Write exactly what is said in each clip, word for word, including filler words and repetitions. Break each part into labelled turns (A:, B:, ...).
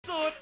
A: สุด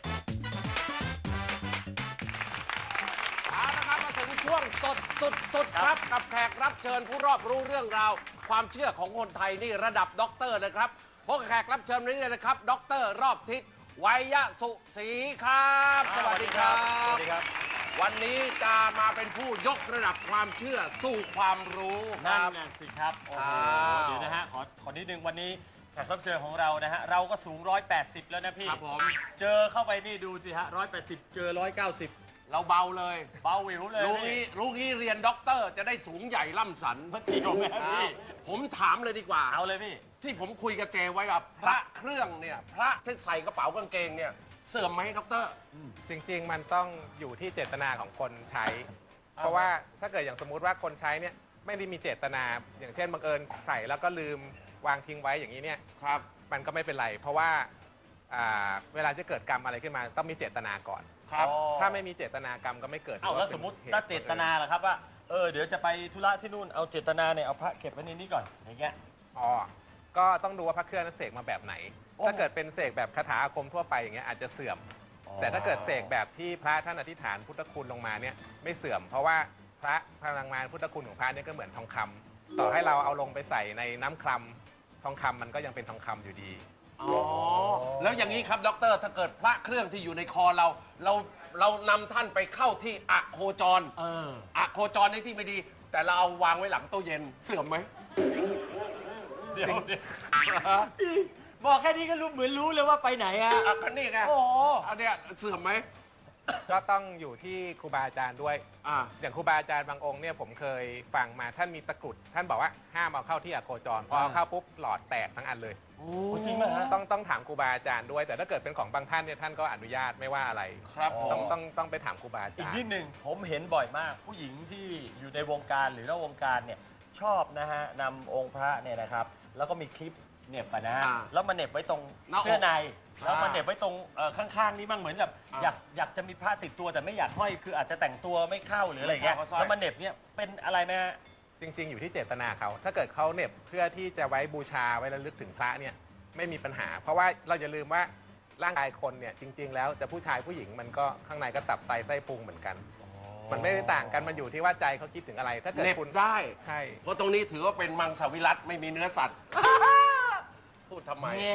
B: เอาละครับมาถึงช่วงสดสุดสุดครับกับแขกรับเชิญผู้รอบรู้เรื่องราว ความเชื่อของคนไทยนี่ระดับด็อกเตอร์นะครับพบกับแขกรับเชิญวันนี้เลยนะครับด็อกเตอร์รอบทิศวัยสุศรีครับสวัสดีครับ
A: สวัสดีครับ
B: วันนี้จะมาเป็นผู้ยกระดับความเชื่อสู่ความรู้ค
A: นั่น
B: รับ
A: น่ะสิครับ โอ้โห
B: อ้าว
A: เดี๋ยวนะฮะ ขอ ขอนิดนึงวันนี้แขกรับเชิญของเรานะฮะ เราก็สูง หนึ่งร้อยแปดสิบ แล้วนะพี่
B: ครับผม
A: เจอเข้าไปนี่ดูสิฮะ หนึ่งร้อยแปดสิบ เจอ หนึ่งร้อยเก้าสิบ
B: เราเบาเลย
A: เบาหวิวเลย
B: รู้
A: นี่
B: งี้รู้งี้เรียนด็อกเตอร์จะได้สูงใหญ่ล่ำสัน
A: เมื่อกี้ผมนะพี่
B: ผมถามเลยดีกว่า
A: เอาเลยพี่
B: ที่ผมคุยกับเจไว้กับพระเครื่องเนี่ยพระที่ใส่กระเป๋ากางเกงเนี่ยเสื่อมไหมด็อกเตอร์
C: จริงๆ มันต้องอยู่ที่เจตนาของคนใช้ เพราะว่าถ้าเกิดอย่างสมมุติว่าคนใช้เนี่ยไม่ได้มีเจตนา อย่างเช่นบังเอิญใส่แล้วก็ลืมวางทิ้งไว้อย่างนี้เนี่ย
B: ครับ
C: มันก็ไม่เป็นไร เพราะว่าอ่าเวลาจะเกิดกรรมอะไรขึ้นมาต้องมีเจตนาก่อน
B: ครับ
A: อ๋อ
C: ถ้าไม่มีเจตนากรรมก็ไม่เกิด
A: เอาแล้วสมมติถ้าเจตนาล่ะครับว่า เออ เดี๋ยวจะไปธุระที่นู่น เอาเจตนาเนี่ย เอาพระเก็บไว้ในนี้ก่อน อย่างเงี้ย
C: อ๋อก็ต้องดูว่าพระเครื่องนั้นเสกมาแบบไหน
A: โอ้
C: ถ้าเกิดเป็นเสกแบบคาถาอาคมทั่วไปอย่างเงี้ยอาจจะเสื่อม แต่ถ้าเกิดเสกแบบที่พระท่านอธิษฐานพุทธคุณลงมาเนี่ยไม่เสื่อม เพราะว่าพระพลังงานพุทธคุณของพระเนี่ยก็เหมือนทองคำต่อให้เราเอาลงไปใส่ในน้ำคลำทองคำมันก็ยังเป็นทองคำอยู่ดี
B: อ๋อ แล้วอย่างนี้ครับด็อกเตอร์ถ้าเกิดพระเครื่องที่อยู่ในคอเรา เราเรานำท่านไปเข้าที่อะโคจร
A: เออ
B: อะโคจรในที่ไม่ดี แต่เราเอาวางไว้หลังตู้เย็นเสื่อมไหม
A: เดี๋ยวเดี๋ยวพี่บอกแค่นี้ก็รู้เหมือนรู้เลยว่าไปไหนฮะ
B: อ่ะก็นี่ไง
A: โอ้โห
B: อันเนี้ยเสื่อมไหม
C: ก็ต้องอยู่ที่ครูบาอาจารย์ด้วย
B: อ่า
C: อย่างครูบาอาจารย์บางองค์เนี่ยผมเคยฟังมาท่านมีตะกรุด ท่านบอกว่าห้ามเอาเข้าที่อะโคจรพอเอาเข้าปุ๊บหลอดแตกทั้งอันเลย
B: โอ้
A: จริงไหมฮะ
C: ต้องต้องถามครูบาอาจารย์ด้วย แต่ถ้าเกิดเป็นของบางท่านเนี่ยท่านก็อนุญาตไม่ว่าอะไร
B: ครับผ
C: ต้อง
B: ม
C: ต้องต้องไปถามครูบาอา
A: อีก
C: จารย์
A: นิดหนึ่งผมเห็นบ่อยมาก ผู้หญิงที่อยู่ในวงการหรือนอกวงการเนี่ยชอบนะฮะนำองค์พระเนี่ยนะครับ แล้วก็มีคลิปเหน็บไปนะฮะ
B: อ่า
A: แล้วมาเหน็บไว้ตรง
B: หน้าอก
A: เสื้อใน
B: อ่า
A: แล้วมาเหน็บไว้ตรงเอ่อข้างๆนี่บ้างเหมือนแบบ
B: อ่า
A: อยากอยากจะมีพระติดตัวแต่ไม่อยากห้อยคืออาจจะแต่งตัวไม่เข้าหรืออะไรอย่างเงี้ย
B: ไม่เข้าก็สร้อย
A: แล้วมาเหน็บเนี่ยเป็นอะไรไหมฮะ
C: จริง ๆ อยู่ที่เจตนาเขา ถ้าเกิดเขาเหน็บเพื่อที่จะไว้บูชาไว้ระลึกถึงพระเนี่ยไม่มีปัญหา เพราะว่าเราอย่าลืมว่าร่างกายคนเนี่ยจริง ๆ แล้วจะผู้ชายผู้หญิงมันก็ข้างในก็ตับไตไส้พุงเหมือนกัน มันไม่ได้ต่างกันมันอยู่ที่ว่าใจเขาคิดถึงอะไร ถ้าเกิด
B: เหน็บ
C: คุณ
B: ได้
C: ใช่
B: เพราะตรงนี้ถือว่าเป็นมังสวิรัตไม่มีเนื้อสัตว์ พูดทำไม
A: แง่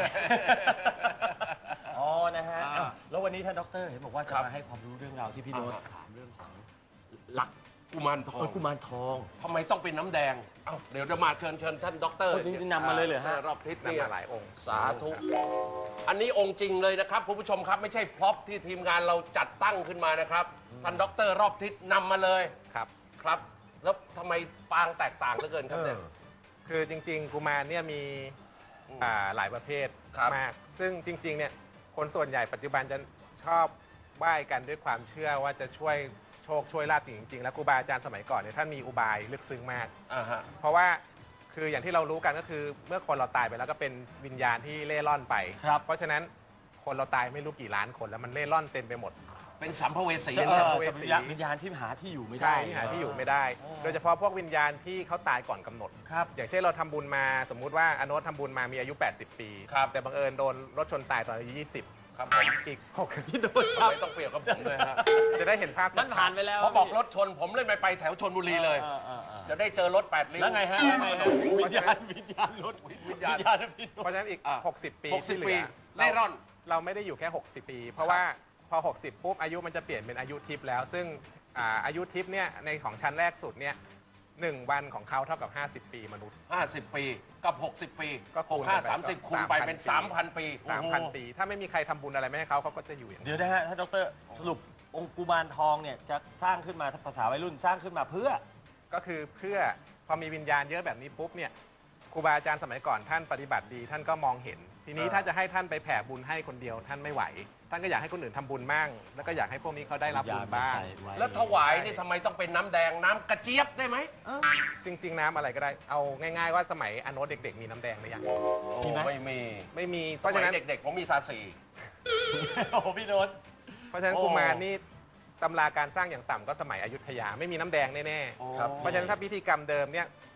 A: อ๋อ นะฮะ
B: อ่า
A: อ้าวแล้ววันนี้ท่านด็อกเตอร์เห็นบอกว่า
B: ค
A: จะ
B: รับ
A: มาให้ความรู้เรื่องราวที่พี่โน้ต
B: อ่า
A: ถามเรื่องของ
B: หลักกุมารทอ
A: เอง อกุมารทอง
B: ทำไมต้องเป็นน้ำแดง เอ้าเดี๋ยวจะมาเชิญเชิญท่านด็อกเตอร์
A: โอ้นี่นำมาเลยเหรอฮะ
B: รอบทิศ
C: นำ
B: เนี่ย
C: มาหลายองค์
B: สาธุ อันนี้องค์จริงเลยนะครับคุณผู้ชมครับไม่ใช่พร็อพที่ทีมงานเราจัดตั้งขึ้นมานะครับ ท่านด็อกเตอร์รอบทิศนำมาเลย
C: ครับ
B: ครับ แล้วทำไมปางแตกต่างเหลือเกินครับเนี่ย
C: คือจริง ๆ กุมารเนี่ยมี
B: อืม
C: อ่าหลายประเภท
B: ครับ
C: มาก ซึ่งจริง ๆ เนี่ยคนส่วนใหญ่ปัจจุบันจะชอบไหว้กันด้วยความเชื่อว่าจะช่วยโชคช่วยลาภจริงๆ แล้วครูบาอาจารย์สมัยก่อนเนี่ยท่านมีอุบายลึกซึ้งมาก
B: อ่าฮะ
C: เพราะว่าคืออย่างที่เรารู้กันก็คือเมื่อคนเราตายไปแล้วก็เป็นวิญญาณที่เล่ร่อนไป
A: ครับ
C: เพราะฉะนั้นคนเราตายไม่รู้กี่ล้านคนแล้วมันเล่ร่อนเต็มไปหมด
B: เป็นสัมภเวสี
A: เอ
C: สั
A: อ
C: มภเวสี
A: วิญญาณที่หาที่อยู่ไม่ได้
C: ใช่ที่หาที่อยู่ไม่ได้
A: อ๋อ
C: โดยเฉพาะพวกวิญญาณที่เขาตายก่อนกำหนด
A: ครับ
C: อย่างเช่นเราทำบุญมาสมมุติว่าอโนตทำบุญมามีอายุ แปดสิบ ปี
B: ครับ
C: แต่บังเอิญโดนรถชนตายตอนอายุ ยี่สิบ
B: ครับผม
C: อีกหก
A: พี่โน้ตค
B: ทำ
A: รับ
B: ไมต้องเปรียบกับผมเลยฮะ
C: จะได้เห็นภาพชั
A: มั
C: ด
A: น
C: ๆ
A: ผ่านไปแล้ว
B: พอบอกรถชนผมเลยไม่ไปแถวชนบุรีเลย
A: ออออเออ
B: จะได้เจอรถแปดริ้ว
A: แล้วไงฮะแล้วไงฮะวิญญาณวิญญาณรถ
B: วิญญาณ
A: วิญญาณพี่โน้
C: เพ
A: ต
C: ราะฉะนั้นอีก
B: อ่ะ
C: หกสิบ ปี
B: หกสิบ
C: ที่เห
B: ปี
C: ลือ
B: เล่ร่อน
C: เราไม่ได้อยู่แค่ หกสิบ ปี เพราะว่าพอ หกสิบ ปุ๊บอายุมันจะเปลี่ยนเป็นอายุทิพย์แล้ว ซึ่งอ่าอายุทิพย์เนี่ยในของชั้นแรกสุดเนี่ยหนึ่งวันของเขาเท่ากับ ห้าสิบ ปีมนุษย์
B: ห้าสิบ ปีกับ หกสิบ ปี
C: ก็คู
B: ห
C: ณ
B: กห้า
C: ไป
B: สามสิบ
C: ก็
B: คูณไปเป็น
C: สามพัน
B: 3,000 ปี
C: สามพัน ปี ถ้าไม่มีใครทำบุญอะไรไม่ให้เขาเขาก็จะอยู่อย่างนี้
A: เดี๋ยวนะฮะท่านดรสรุปองค์กุมารทองเนี่ยจะสร้างขึ้นมาภาษาวัยรุ่นสร้างขึ้นมาเพื่อ
C: ก็คือเพื่อพอมีวิญญาณเยอะแบบนี้ปุ๊บเนี่ยครูบาอาจารย์สมัยก่อนท่านปฏิบัติดีท่านก็มองเห็น ทีนี้
B: อ่า
C: ถ้าจะให้ท่านไปแผ่บุญให้คนเดียวท่านไม่ไหว ท่านก็อยากให้คนอื่นทำบุญมั่งแล้วก็อยากให้พวกนี้เขาได้รับบุญบ้าง
B: แล้วถวายนี่ทำไมต้องเป็นน้ำแดงน้ำกระเจี๊ยบได้ไหม
C: จริง ๆ น้ำอะไรก็ได้เอาง่ายๆว่าสมัยอโนตเด็ก ๆ มีน้ำแดงหรือยัง
A: มีไหม
B: ไม่มี
C: ไม่มีเพ
B: เพราะ
C: ราะ
B: ฉะ
C: ฉะ
B: นั้
C: นั้น น
B: เด็กๆ ผมมีซาสี
A: โอ้โหพี่โน้ต
C: เพราะฉะนั้น
A: โอ้
C: กุมารนี่ตำราการสร้างอย่างต่ำก็สมัยอยุธยาไม่มีน้ำแดงแน่
B: ครับ
C: ๆเพราะฉะนั้นถ้าพิธีกรรมเดิมเนี่ย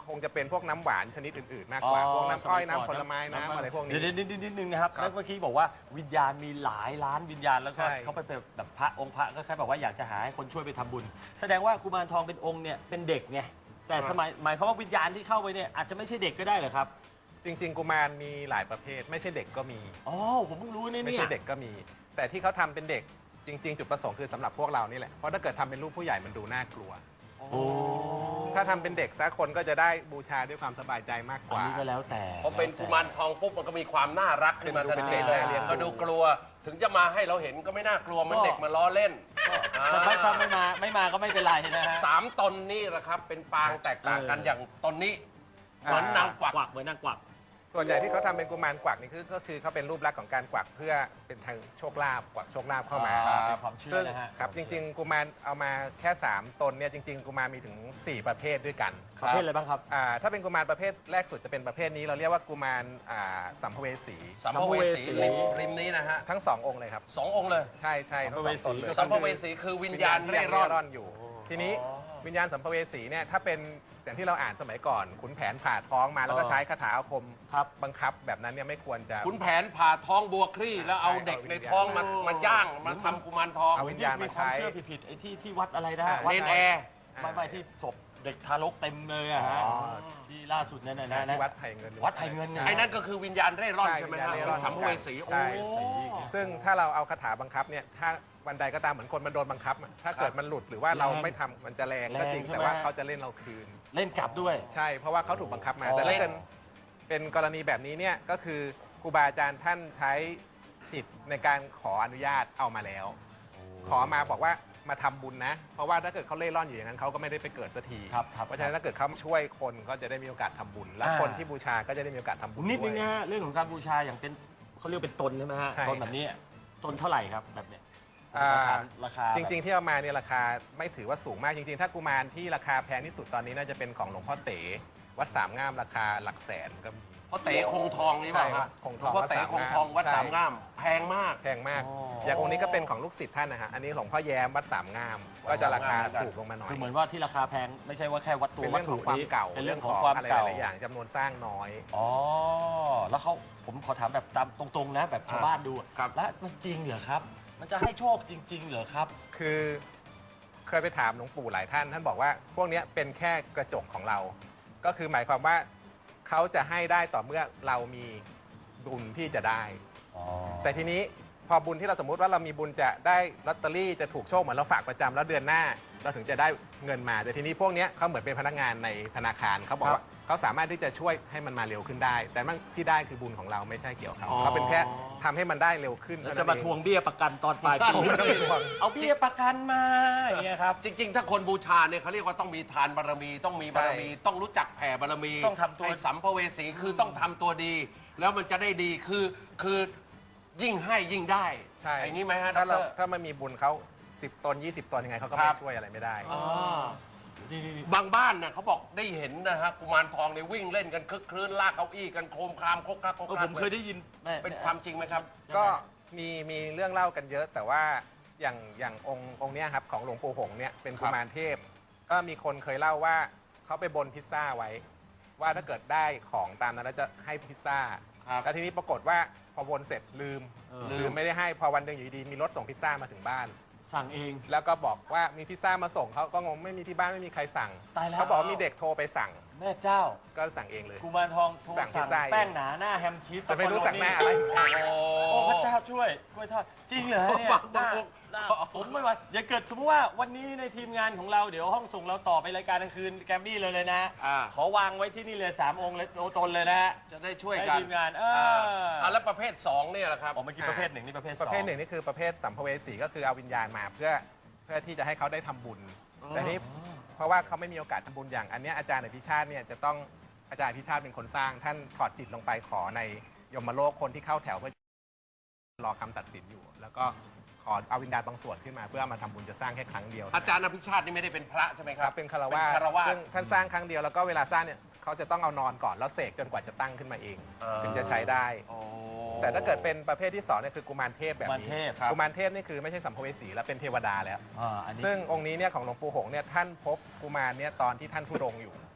C: คงจะเป็นพวกน้ำหวานชนิดอื่นๆ มากกว่า พวกน้ำอ้อยน้ำผลไม้น้ำอะไรพวกนี้
A: เดี๋ยวนิดนิดนึงนะครับ
B: ครับ
A: แล้วเมื่อกี้บอกว่าวิญญาณมีหลายล้านวิญญาณแล้วก็
C: ใช่
A: เขาไปเป็นแบบพระองค์พระก็แค่แบบว่าอยากจะหาให้คนช่วยไปทำบุญ แสดงว่ากุมารทองเป็นองค์เนี่ยเป็นเด็กไงแต่สมัยหมายความว่าวิญญาณที่เข้าไปเนี่ยอาจจะไม่ใช่เด็กก็ได้เหรอครับ
C: จริง ๆ กุมารมีหลายประเภท ไม่ใช่เด็กก็มี
A: อ๋อผมเพิ่งรู้เนี่ย
C: ไม่
A: เนี่ย
C: ใช่เด็กก็มี แต่ที่เขาทำเป็นเด็กจริง ๆ จุดประสงค์คือสำหรับพวกเรานี่แหละ เพราะถ้าเกิดทำเป็นรูปผู้ใหญ่มันดูน่ากลัว
A: โอ้
C: ถ้าทำเป็นเด็กสักคนก็จะได้บูชาด้วยความสบายใจมากก
A: อัน
C: ว่า
A: นี้ก็แล้วแต่
B: พอเป็นกุมารทองปุ๊บมันก็มีความน่ารักขึ้นมาทัน
C: เป็น
B: ที
C: เด็ก
B: เลย
C: น่าเลี้ยงดู
B: ก็ดูกลัวถึงจะมาให้เราเห็นก็ไม่น่ากลัวเหมันเด็กมาล้อเล่น
A: แต่ถ้าถ้าไม่มาไม่มาก็ไม่เป็นไรนะฮะ
B: สามตนนี่แหละครับเป็นปางแตกต่างกัน
A: เออ
B: อ
A: อ
B: ย่างตนนี้เหมือนนางกวัก
A: กวักเหมือนนางกวัก
C: ส่วนใหญ่ที่เขาทำเป็นกุมารกวักนี่คือก็คือเขาเป็นรูปลักษณ์ของการกวักเพื่อเป็นทางโชคลาภกวักโชคลาภเข้ามา
A: อ่เป็นความเชื่
C: ซึ่
A: อง นะฮะ
C: ครับจริง ๆ กุมารเอามาแค่ 3 ตนเนี่ยจริง ๆ กุมารมีถึง สี่ ประเภทด้วยกัน
A: ประเภทอะไรบ้างครับ
C: อ่าถ้าเป็นกุมารประเภทแรกสุดจะเป็นประเภทนี้เราเรียกว่ากุมารอ่าสัมภเวสี
B: สัมภเวสี
A: สัมภเวสี
B: ริมริมนี้นะฮะ
C: ทั้งสององค์เลยครับ
B: สององค์เลย
C: ใช่ใช่ทั้งสองตนเลย
B: สัมภเวสีคือวิญญาณเร่ร่อน
C: อยู่ ทีนี้วิญญาณสัมภเวสีเนี่ยถ้าเป็นอย่างที่เราอ่านสมัยก่อนขุนแผนผ่าท้องมาแล้วก็
A: อ๋อ
C: ใช้คาถาอาคม
A: ครับ
C: บังคับแบบนั้นเนี่ยไม่ควรจะ
B: ขุนแผนผ่าท้องบัวคลี่ แล้วเอาเด็กในท้องมา
A: โอ้
B: มาย่างมาทำกุมารทอง
C: เอาวิญญาณมาใช้
A: ความเชื่อผิดๆไอ้ที่ที่วัดอะไรนะฮะ
C: อ่า
A: วัด
B: เนนแอร์
A: ไม่ไม่ที่ศพเด็กทารกเต็มเลยอะฮะ
C: อ๋อ
A: ที่ล่าสุดนั่นนะ
C: นะ
A: นะ
C: ที่วัดไผ่เงิน
A: วัดไผ่เงินไง
B: ไอ้นั่นก็คือวิญญาณเร่ร่อน
C: ใช่
B: ใช่ไหม
C: วิญญาณ
B: ฮะ
C: เร่ร่
B: เป็
C: อน
B: นสัมภเวสีโอ้
C: ใช่ซึ่งถ้าเราเอาคาถาบังคับเนี่ยถ้าวันใดก็ตามเหมือนคนมันโดนบังคับอะถ้าเกิดมันหลุดหรือว่าเราไม่ทำมันจะแรงก็จริง
A: แรงใช่ไหม
C: แต่ว่าเขาจะเล่นเราคืน
A: เล่นกลับด้วย
C: ใช่เพราะว่าเขาถูกบังคับมา
A: อ๋อ
C: แต่ถ้าเกิดเป็นกรณีแบบนี้เนี่ยก็คือครูบาอาจารย์ท่านใช้จิตในการขออนุญาตเอามาแล้ว ขอมาบอกว่ามาทำบุญนะ เพราะว่าถ้าเกิดเขาเล่ร่อนอยู่อย่างนั้นเขาก็ไม่ได้ไปเกิดสักที
A: ครับครับ
C: เพราะฉะนั้นถ้าเกิดเขาช่วยคนก็จะได้มีโอกาสทำบุญ และ
A: อ่า
C: คนที่บูชาก็จะได้มีโอกาสทำบุญ
A: นิดนึง
C: วย
A: นะฮะเรื่องของการบูชาอย่างเป็นเขาเรียกเป็นตนใช่ไหมฮะ
C: ใช่
A: ตนแบบนี้ตนเท่าไหร่ครับแบบเนี้ย
C: อ่า
A: ราคาราคา
C: จริง ๆ ที่เอามาเนี่ยราคาไม่ถือว่าสูงมากจริง ๆ ถ้ากุมารที่ราคาแพงที่สุดตอนนี้น่าจะเป็นของหลวงพ่อเต๋วัดสามงามราคาหลักแสนก็มี
B: เพราะเต๋คงทองนี่เปล่า
C: ใช่ครั
B: ฮะ
C: บคงทอง
B: เพราะเต๋คงทองวัด
C: ใช่
B: สามงามแพงมาก
C: แพงมาก
A: อ๋อ
C: อ
A: อย่าง
C: องค์นี้ก็เป็นของลูกศิษย์ท่านนะฮะ อันนี้หลวงพ่อแย้มวัดสามงาม ก็จะราคาถูกลงมาหน่อย
A: คือเหมือนว่าที่ราคาแพงไม่ใช่ว่าแค่วัตถุ
C: เป็น
A: วั
C: เรื่
A: ต
C: องข
A: ถุ
C: องความ
A: นี้
C: เก่า
A: เป็นเรื่องของความ
C: อะไรห
A: เก่า
C: ลายๆอย่างจำนวนสร้างน้อย
A: อ๋อแล้วเขาผมขอถามแบบตามตรงๆนะแบบชาวบ้านดูอะ
B: ครับ
A: แล้วมันจริงเหรอครับ มันจะให้โชคจริง ๆ เหรอครับ
C: คือเคยไปถามหลวงปู่หลายท่าน ท่านบอกว่าพวกเนี้ยเป็นแค่กระจกของเรา ก็คือหมายความว่าเขาจะให้ได้ต่อเมื่อเรามีบุญที่จะได้ แต่ทีนี้พอบุญที่เราสมมุติว่าเรามีบุญจะได้ลอตเตอรี่จะถูกโชคเหมือนเราฝากประจำแล้วเดือนหน้า เราถึงจะได้เงินมาแต่ทีนี้พวกเนี้ยเขาเหมือนเป็นพนักงานในธนาคารเขาบอก
A: ครับ
C: ว่าเขาสามารถที่จะช่วยให้มันมาเร็วขึ้นได้ แต่มันที่ได้คือบุญของเราไม่ใช่เกี่ยวกับ
B: อ๋อ
C: เขาเขาเป็นแค่ทำให้มันได้เร็วขึ้น
A: แล้ว
C: เท่
A: จะ
C: นั้น
A: มา
C: เอง
A: ทวงเบี้ยประกันตอนปลายปี
C: ไม่ต้องไปทวง
A: เอาเบี้ยประกันมาอย่างเงี้ยครับ
B: จริง ๆ ถ้าคนบูชาเนี่ยเขาเรียกว่าต้องมีทานบารมี ต้องมีบารมี ต้องรู้จักแผ่บารมี
A: ต้องทำตัว
B: ไอ้สัมภเวสีคือต้องทำตัวดี แล้วมันจะได้ดีคือคือยิ่งให้ยิ่งได้
C: ใช่
B: อย่างนี้ไหมฮะด
C: ถ้าเรา
B: ร
C: ถ้ามันมีบุญเขาสิบตนยี่สิบตนยังไงเขาก็
B: ครั
C: ไม่
B: บ
C: ช่วยอะไรไม่ได้
B: อ๋อ
A: นี่ๆ
B: บางบ้านเนี่ยเขาบอกได้เห็นนะฮะกุมารทองเนี่ยวิ่งเล่นกันคึกคลื้นลากเก้าอี้กันโครมครามโคกคักโค
A: ๆ
B: ก
A: เออ
B: คั
A: ผ
B: ก
A: มเคยได้ยินแม่
B: เป็นความจริงไหมครับ
C: ก็มีมีเรื่องเล่ากันเยอะ แต่ว่าอย่างอย่างองค์องค์เนี้ยครับของหลวงปู่หงส์เนี่ยเป็นกุมารเทพ ก็มีคนเคยเล่าว่าเขาไปบนพิซซ่าไว้ ว่าถ้าเกิดได้ของตามนั้นแล้วจะให้พิซซ่า
B: ครับ
C: แล้วทีนี้ปรากฏว่าพอบนเสร็จลืม
A: เออ
C: ลืมไม่ได้ให้พอวันหนึ่งอยู่ดีมีรถส่งพิซซ่ามาถึงบ้าน
A: สั่งเอง
C: แล้วก็บอกว่ามีพิซซ่ามาส่งเขาก็งงไม่มีที่บ้านไม่มีใครสั่ง
A: ตายแล้ว
C: เขาบอกว่ามีเด็กโทรไปสั่ง
A: แม่เจ้า
C: ก็สั่งเองเลย
A: กุมารทองโทร
C: สั่งพิ
A: สั่
C: ซ
A: ง
C: ซ่าเอง
A: แป้งหนาหน้าแฮมชีส
C: แต่ไม่รู้สั่งหน้าอะไร
B: โอ้
A: โอ้พระเจ้าช่วยกล้วยทอดจริงเหรอเนี่ย
B: บางบาง
A: หน้าผมไม่ไหวอย่าเกิดสมมติว่าวันนี้ในทีมงานของเราเดี๋ยวห้องส่งเราต่อไปรายการกลางคืนแกรมมี่เลยเลยนะ
B: อ่า
A: ขอวางไว้ที่นี่เลยสามองค์เลยโตนเลยนะฮะ
B: จะได้ช่วย
A: ให้
B: กัน
A: ทีมงานเอ
B: อ่า
A: อ
B: อ่าแล้วประเภทสองเนี่ยแหละครับ
A: ออกเมื่อกี้ประเภทหนึ่งนี่ประเภทส
C: ป
A: อง
C: ระเภทหนึ่งนี่คือประเภทสัมภเวสีก็คือเอาวิญญาณมาเพื่อเพื่อที่จะให้เขาได้ทำบุญ
B: อ๋อ
C: แต่นี่เพราะว่าเขาไม่มีโอกาสทำบุญอย่างอันเนี้ยอาจารย์อภิชาติเนี่ยจะต้องอาจารย์อภิชาติเป็นคนสร้าง ท่านถอดจิตลงไปขอในยมโลกคนที่เข้าแถวเพื่อรอคำตัดสินอยู่ แล้วก็ขอเอาวิญญาณบางส่วนขึ้นมาเพื่อเอามาทำบุญจะสร้างแค่ครั้งเดียว
B: อาจารย์อภิชาตินี่ไม่ได้เป็นพระใช่ไหมค
C: ค
B: รั
C: รั
B: บบ
C: เป็นคาร
B: เป็น
C: วาส
B: คารวาส
C: ซึ่งท่านสร้างครั้งเดียวแล้วก็เวลาสร้างเนี่ยเขาจะต้องเอานอนก่อนแล้วเสกจนกว่าจะตั้งขึ้นมาเอง
B: อ่า
C: ถึงจะใช้ได้
B: โอ้
C: แต่ถ้าเกิดเป็นประเภทที่สองเนี่ยคือกุมารเทพแบบ
A: กุมาร
C: นี้
A: เทพ
B: ครับ
C: กุมารเทพนี่คือไม่ใช่สัมภเวสีแล้วเป็นเทวดาแล้ว
A: อ่าอันนี้
C: ซึ่งองค์นี้เนี่ยของหลวงปู่หงส์เนี่ยท่านพบกุมารเนี่ยตอนที่ท่านทุดงค์อยู่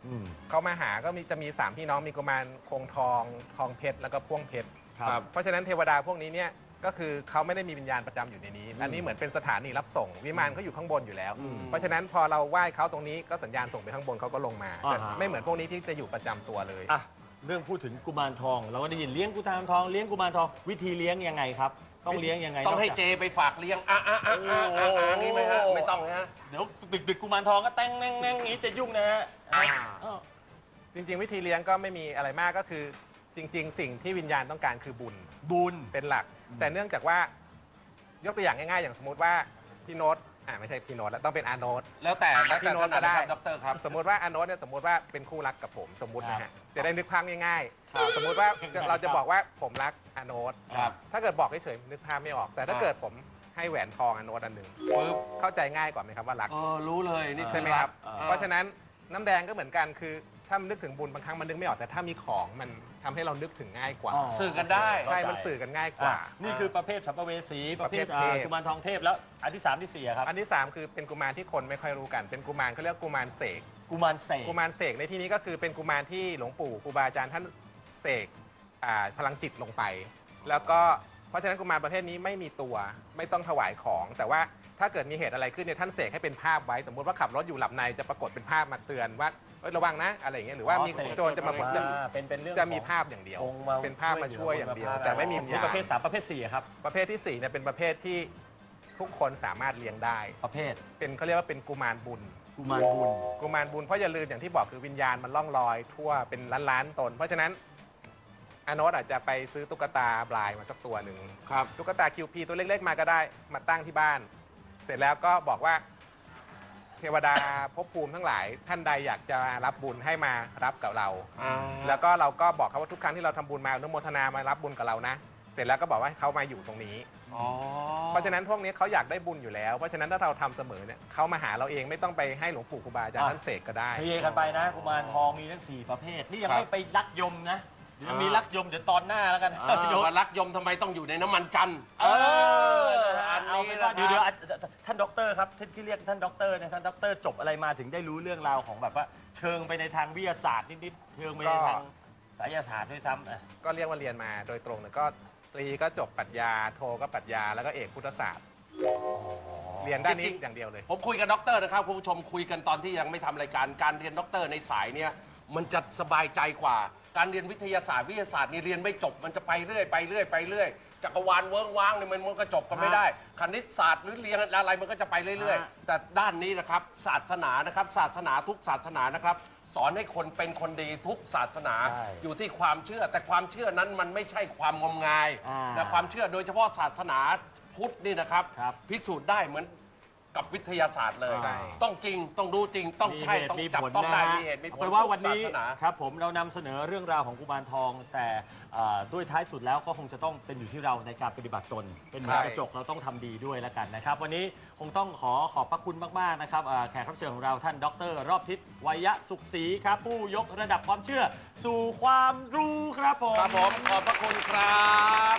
A: อืม
C: เขามาหาก็มีจะมีสามพี่น้องมีกุมารคงทองทองเพชรแล้วก็พ่วงเพชร
A: ครับ
C: เพราะฉะนั้นเทวดาพวกนี้เนี่ยก็คือเขาไม่ได้มีวิญญาณประจำอยู่ในนี้ อันนี้เหมือนเป็นสถานีรับส่งวิมานเขาอยู่ข้างบนอยู่แล้ว
B: อืม
C: เพราะฉะนั้นพอเราไหว้เขาตรงนี้ก็สัญญาณส่งไปข้างบนเขาก็ลงมา
A: อ่าฮะ
C: ไม่เหมือนพวกนี้ที่จะอยู่ประจำตัวเลย
A: อ่ะเรื่องพูดถึงกุมารทอง เราก็ได้ยินเลี้ยงกุมารทองเลี้ยงกุมารทองวิธีเลี้ยงยังไงครับ ต้องเลี้ยงยังไง
B: ต้องให้
A: นกจาก
B: เจไปฝากเลี้ยงอ่ะอ่ะอ่ะอ่ะอ่ะอ่ะงี้ไหมฮะไม่ต้องฮะ
A: เดี๋ยวดึกดึกๆกุมารทองก็แต้งแน่งแน่งอย่างนี้จะยุ่งนะฮะ
B: อ่า
A: อ้าว
C: จริงๆ วิธีเลี้ยงก็ไม่มีอะไรมากก็คือจริง ๆ สิ่งที่วิญญาณต้องการคือบุญ
A: บุญ
C: เป็นหลัก แต่เนื่องจากว่ายกตัวอย่างง่ายๆ อย่างสมมติว่าพี่โน้ตอ่าไม่ใช่พี่โน้ตแล้วต้องเป็นอาโน้ต
B: แล้วแต่แล้ว
C: พี่
B: แต่
C: โน้
B: ถ
C: ต
B: นั
C: ก็
B: ด
C: ได้
B: นะครับดรครับ
C: สมมติว่าอาโน้ตเนี่ยสมมติว่าเป็นคู่รักกับผมสมมตินะ
A: ครั
C: ฮะ
A: บ
C: จะได้นึกภาพง่าย
A: ครับ
C: ๆ สมมติว่า
A: ครับ
C: เราจะบอกว่าผมรักอาโน้ต
B: ครับ
C: ถ้าเกิดบอกเฉยๆนึกภาพไม่ออก แต่ถ้า
B: อ่า
C: เกิดผมให้แหวนทองอาโน้ตอันหนึ่ง
B: ปึ๊บ
C: เข้าใจง่ายกว่าไหมครับว่ารัก
B: เออรู้เลยนี่
C: ใช่ไหมครับ
B: อ่
C: เพราะฉะนั้นน้ำแดงก็เหมือนกันคือถ้ามันนึกถึงบุญบางครั้งมันนึกไม่ออกแต่ถ้ามีของมันทำให้เรานึกถึงง่ายกว่า
A: อ๋อ
B: สื่อกันได้
C: ใช่มันสื่อกันง่ายกว่า
A: อ่ะนี่คือประเภทสัมภเวสีประเภท
C: ประเภทเทพ
A: อ่ากุมารทองเทพแล้วอันที่สามที่สี่อะครับ
C: อันที่สามคือเป็นกุมารที่คนไม่ค่อยรู้กัน เป็นกุมารเขาเรียกกุมารเสก
A: กุมารเสก
C: กุมารเสกในที่นี้ก็คือเป็นกุมารที่หลวงปู่ครูบาอาจารย์ท่านเสกอ่าพลังจิตลงไป แล้วก็เพราะฉะนั้นกุมารประเภทนี้ไม่มีตัวไม่ต้องถวายของ แต่ว่าถ้าเกิดมีเหตุอะไรขึ้นเนี่ยท่านเสกให้เป็นภาพไว้ สมมติว่าขับรถอยู่หลับในจะปรากฏเป็นภาพมาเตือนว่าเอ้ยระวังนะอะไรอย่างเงี้ยหรือว่ามี
A: อ๋อเสก
C: โจรจะมา
A: อ่าเป็นเป็นเรื่อง
C: จะมี
A: ของ
C: ภาพอย่างเดียว
A: องค์มา
C: เป็นภาพมาช่วยอย่างเดียว
A: ช่วยเหลือ
C: แต่ไม่มี
A: นี่
C: วิญญาณ
A: ประเภทสามประเภทสี่อะครับ
C: ประเภทที่สี่เนี่ยเป็นประเภทที่ทุกคนสามารถเลี้ยงได้
A: ประเภท
C: เป็นเขาเรียกว่าเป็นกุมารบุญ
A: กุมารบุญ
C: กุมารบุญเพราะอย่าลืมอย่างที่บอกคือวิญญาณมันล่องลอยทั่วเป็นล้านล้านๆตน เพราะฉะนั้นอาโนตอาจจะไปซื้อตุ๊กตาบลายมาสักตัวหนึ่ง
B: ครับ
C: ตุ๊กตาคิวพีตัวเล็กๆมาก็ได้มาตั้งที่บ้าน เสร็จแล้วก็บอกว่า เทวดาภพภูมิทั้งหลาย ท่านใดอยากจะรับบุญให้มารับกับเรา
B: อ่า
C: แล้วก็เราก็บอกเขาว่าทุกครั้งที่เราทำบุญมาอนุโมทนามารับบุญกับเรานะ เสร็จแล้วก็บอกว่าให้เขามาอยู่ตรงนี้
B: อ๋อ
C: เพราะฉะนั้นพวกนี้เขาอยากได้บุญอยู่แล้ว เพราะฉะนั้นถ้าเราทำเสมอเนี่ยเขามาหาเราเองไม่ต้องไปให้หลวงปู่ครูบาอาจารย์
A: อ่ะ
C: ท่านเสกก็ได้
A: เคลียร์กันไปนะกุมารทองมีทั้งสี่ประเภท นี่ยัง
B: ครับ
A: ไม่ไปลักยมนะเดี๋ยว
B: อ่ามี
A: มีลักยมเดี๋ยวตอนหน้าแล้วกัน
B: อ่า
A: เดี๋ยว
B: ว่ารักยมทำไมต้องอยู่ในน้ำมันจันทร์
A: เออ
B: อั
A: อั
B: น
A: น
B: นี้
A: นี้
B: นะ
A: เดี๋ยวเดี๋ยวอ่ะท่านด็อกเตอร์ครับที่ที่เรียกท่านด็อกเตอร์เนี่ยท่านด็อกเตอร์จบอะไรมาถึงได้รู้เรื่องราวของแบบว่า เชิงไปในทางวิทยาศาสตร์นิดๆเชิงไปในทางไสยศาสตร์ด้วยซ้ำอ่ะ
C: ก็เรียกว่าเรียนมาโดยตรงเนี่ยก็ตรีก็จบปรัชญาโทก็ปรัชญาแล้วก็เอกพุทธศาสตร์ เรียนด้านนี้
B: จริงๆ
C: อย่างเดียวเลย
B: ผมคุยกับด็อกเตอร์นะครับคุณผู้ชมคุยกันตอนที่ยังไม่ทำรายการการเรียนด็อกเตอร์ในสายเนี่ยมันจะสบายใจกว่า การเรียนวิทยาศาสตร์วิทยาศาสตร์นี่เรียนไม่จบมันจะไปเรื่อยไปเรื่อยไปเรื่อยจักรวาลเวิ้งว้างเนี่ยมันมันก็จบกันไม่ได้ คณิตศาสตร์หรือเรียนอะไรมันก็จะไปเรื่อย
A: ฮะ
B: ๆ แต่ด้านนี้นะครับศาสนานะครับศาสนาทุกศาสนานะครับสอนให้คนเป็นคนดีทุกศาสนา
A: ใช่
B: อยู่ที่ความเชื่อแต่ความเชื่อนั้นมันไม่ใช่ความงมงาย
A: อ่า
B: แต่ความเชื่อโดยเฉพาะศาสนาพุทธนี่นะครับ
A: ครับ
B: พิสูจน์ได้เหมือนกับวิทยาศาสตร์เลย
C: ใช่
B: ต้องจริงต้องรู้จริงต้องใช่
A: มีเหตุ
B: ต้อง
A: มี
B: จับ
A: ผล
B: ต้องได้
A: นะฮะ
B: มีเหตุมีผล
A: เอาเป็นว่าวันนี้
B: ทุกศาสนา
A: ครับผมเรานำเสนอเรื่องราวของกุมารทอง แต่เอ่อด้วยท้ายสุดแล้วก็คงจะต้องเป็นอยู่ที่เราในการปฏิบัติตน เป็นเหมือน
C: ใช่
A: กระจกเราต้องทำดีด้วยแล้วกันนะครับ วันนี้คงต้องขอขอบพระคุณมากๆนะครับเอ่อแขกรับเชิญของเราท่านดรรอบทิศวัยสุขศรีครับผู้ยกระดับความเชื่อ สู่ความรู้ครับผม
B: ครับผมขอบพระคุณครับ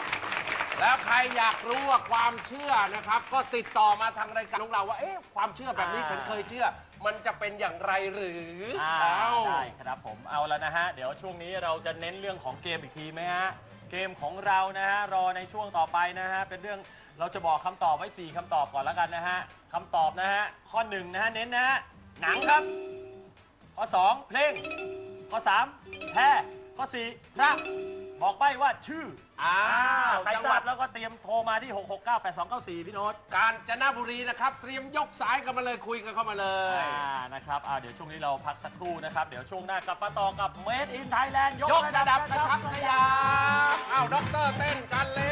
B: แล้วใครอยากรู้ว่าความเชื่อนะครับ ก็ติดต่อมาทางรายการของเราว่าเอ๊ะความเชื่อแบบนี้
A: อ่า
B: ฉันเคยเชื่อ มันจะเป็นอย่างไรหรือ
A: อ่า
B: เอ้า
A: ได้ครับผมเอาแล้วนะฮะ เดี๋ยวช่วงนี้เราจะเน้นเรื่องของเกมอีกทีไหมฮะ เกมของเรานะฮะ รอในช่วงต่อไปนะฮะ เป็นเรื่องเราจะบอกคำตอบไว้ สี่คำตอบก่อนแล้วกันนะฮะคำตอบนะฮะ ข้อหนึ่งนะฮะ เน้นนะฮะ หนังครับ ข้อสองเพลง ข้อสามแพรข้อสี่พระบอกใบ้ว่าชื่อ
B: อ้าว
A: ใคร
B: จัง
A: ท
B: ห
A: รา
B: วั
A: บ
B: ด
A: แล้วก็เตรียมโทรมาที่ หก หก เก้า แปด สอง เก้า สี่ พี่โน้ต
B: กาญจนบุรีนะครับ เตรียมยกสายกันมาเลยคุยกันเข้ามาเลย
A: อ่านะครับอ่าเดี๋ยวช่วงนี้เราพักสักครู่นะครับ เดี๋ยวช่วงหน้ากลับมาต่อกับ Made in Thailand
B: ยกระดับกระชับกระยาอ้าวด็อกเตอร์เต้นกันเลย